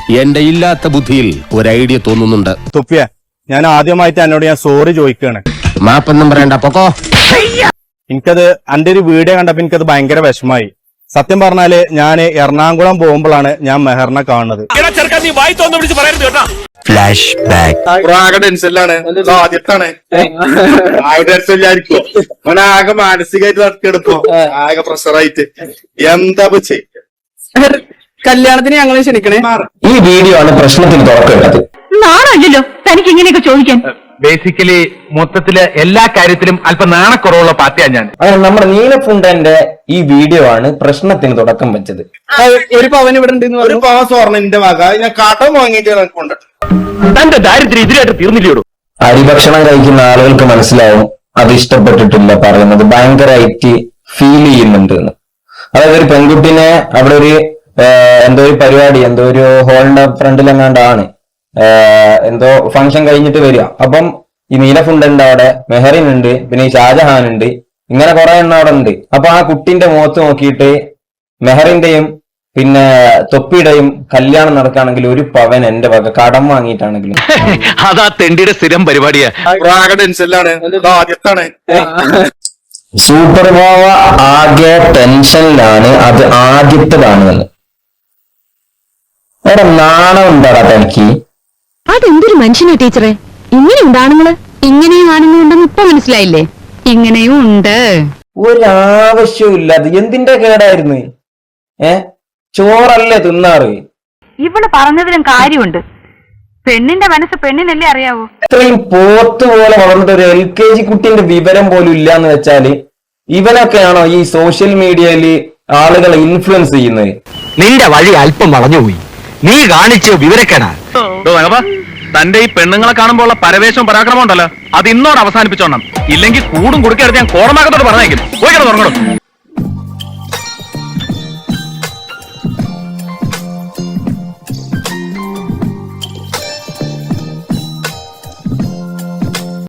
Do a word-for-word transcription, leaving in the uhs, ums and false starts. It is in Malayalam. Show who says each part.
Speaker 1: എന്റെ ഇല്ലാത്ത ബുദ്ധിയിൽ ഒരു ഐഡിയ തോന്നുന്നുണ്ട്.
Speaker 2: തുപ്പിയ ഞാൻ ആദ്യമായിട്ട് എന്നോട് ഞാൻ സോറി ചോദിക്കുകയാണ്.
Speaker 1: മാപ്പൊന്നും പറയണ്ട, പൊക്കോ.
Speaker 2: എനിക്കത് എന്റെ ഒരു വീഡിയോ കണ്ടപ്പോ എനിക്കത് ഭയങ്കര വിഷമായി. സത്യം പറഞ്ഞാല് ഞാൻ എറണാകുളം പോകുമ്പോഴാണ് ഞാൻ മെഹറിനെ കാണുന്നത്.
Speaker 3: ഫ്ലാഷ് ബാക്ക്
Speaker 2: ആകെ ടെൻഷനിലാണ്, ആദ്യത്താണ് ടെൻഷനിലായിരിക്കും. ആകെ മാനസികമായിട്ട് നടക്കെടുപ്പോ ആകെ പ്രഷറായിട്ട് എന്താ ചെയ്യ.
Speaker 4: കല്യാണത്തിന് ഞങ്ങളെ ക്ഷണിക്കണേ.
Speaker 3: ഈ വീഡിയോ ആണ് പ്രശ്നത്തിന് തുറക്കേണ്ടത്.
Speaker 5: നാണല്ലോ തനിക്ക് ഇങ്ങനെയൊക്കെ ചോദിക്കാൻ.
Speaker 6: ബേസിക്കലി മൊത്തത്തില് എല്ലാ കാര്യത്തിലും അല്പം നാണക്കുറവുള്ള പാർട്ടിയാണ് ഞാൻ.
Speaker 3: അങ്ങനെ നമ്മുടെ നീലഫുണ്ടന്റെ ഈ വീഡിയോ ആണ് പ്രശ്നത്തിന് തുടക്കം വെച്ചത്.
Speaker 4: ഒരു പവൻ ഇവിടെ ഉണ്ട്.
Speaker 2: ഒരു പവൻ സ്വർണ്ണന്റെ വക ഞാൻ കാട്ടം വാങ്ങിയിട്ട് കൊണ്ടു.
Speaker 6: തന്റെ ദാരിദ്ര്യം ഇതിലായിട്ട് തീർന്നില്ലയോ?
Speaker 3: അരിഭക്ഷണം കഴിക്കുന്ന ആളുകൾക്ക് മനസ്സിലാവും അത് ഇഷ്ടപ്പെട്ടിട്ടില്ല പറയുന്നത്, ഭയങ്കരമായിട്ട് ഫീൽ ചെയ്യുന്നുണ്ട് എന്ന്. അതായത് ഒരു പെൺകുട്ടിനെ അവിടെ ഒരു എന്തോ ഒരു പരിപാടി, എന്തോ ഒരു ഹോളിന്റെ ഫ്രണ്ടിലെങ്ങാണ്ടാണ് എന്തോ ഫംഗ്ഷൻ കഴിഞ്ഞിട്ട് വരിക. അപ്പം ഈ നീലഫുണ്ടുണ്ട്, അവിടെ മെഹറിൻ ഉണ്ട്, പിന്നെ ഈ ഷാജഹാൻ ഉണ്ട്, ഇങ്ങനെ കുറെ എണ്ണം അവിടെ ഉണ്ട്. അപ്പൊ ആ കുട്ടിന്റെ മുഖത്ത് നോക്കിയിട്ട് മെഹറിന്റെയും പിന്നെ തൊപ്പിയുടെയും കല്യാണം നടക്കുകയാണെങ്കിൽ ഒരു പവൻ എന്റെ വക കടം വാങ്ങിയിട്ടാണെങ്കിലും.
Speaker 6: അതാ തെണ്ടിയുടെ സ്ഥിരം പരിപാടിയാ.
Speaker 2: ആകെ ടെൻഷനിലാണ്, ആദ്യത്താണ്.
Speaker 3: സൂപ്പർ ബാവ ആകെ ടെൻഷനിലാണ്, അത് ആദ്യത്തേതാണെന്ന്. അവിടെ നാണം ഉണ്ടാടാ തനിക്ക്?
Speaker 5: അതെന്തൊരു മനുഷ്യനാ ടീച്ചറെ, ഇങ്ങനെയുണ്ട് ആണുങ്ങള്. ഇങ്ങനെയും ആണുങ്ങളുണ്ടെന്ന് ഇപ്പൊ മനസ്സിലായില്ലേ? ഇങ്ങനെയും ഉണ്ട്.
Speaker 3: ഒരാവശ്യവും ഇല്ലാതെ എന്തിന്റെ കേടായിരുന്നു? ഏ ചോറല്ലേ തിന്നാറ്?
Speaker 5: ഇവള് പറഞ്ഞതിലും കാര്യമുണ്ട്. പെണ്ണിന്റെ മനസ്സ് പെണ്ണിനല്ലേ അറിയാവൂ.
Speaker 3: ഇത്രയും പോത്ത് പോലെ വളർന്നിട്ട് ഒരു എൽ കെ ജി കുട്ടിന്റെ വിവരം പോലും ഇല്ലാന്ന് വെച്ചാല് ഇവനൊക്കെയാണോ ഈ സോഷ്യൽ മീഡിയയില് ആളുകളെ ഇൻഫ്ലുവൻസ് ചെയ്യുന്നത്?
Speaker 6: നിന്റെ വഴി അല്പം വളഞ്ഞുപോയി, നീ കാണിച്ച് വിവരക്കേടാ. തന്റെ ഈ പെണ്ണുങ്ങളെ കാണുമ്പോൾ ഉള്ള പരവേശവും പരാക്രമം ഉണ്ടല്ലോ, അത് ഇന്നോട് അവസാനിപ്പിച്ചോണം. ഇല്ലെങ്കിൽ കൂടും കുടുക്കെടുത്ത് ഞാൻ കോടമാകത്തോട് പറഞ്ഞേക്കും. പോയിക്കണം തുടങ്ങണം.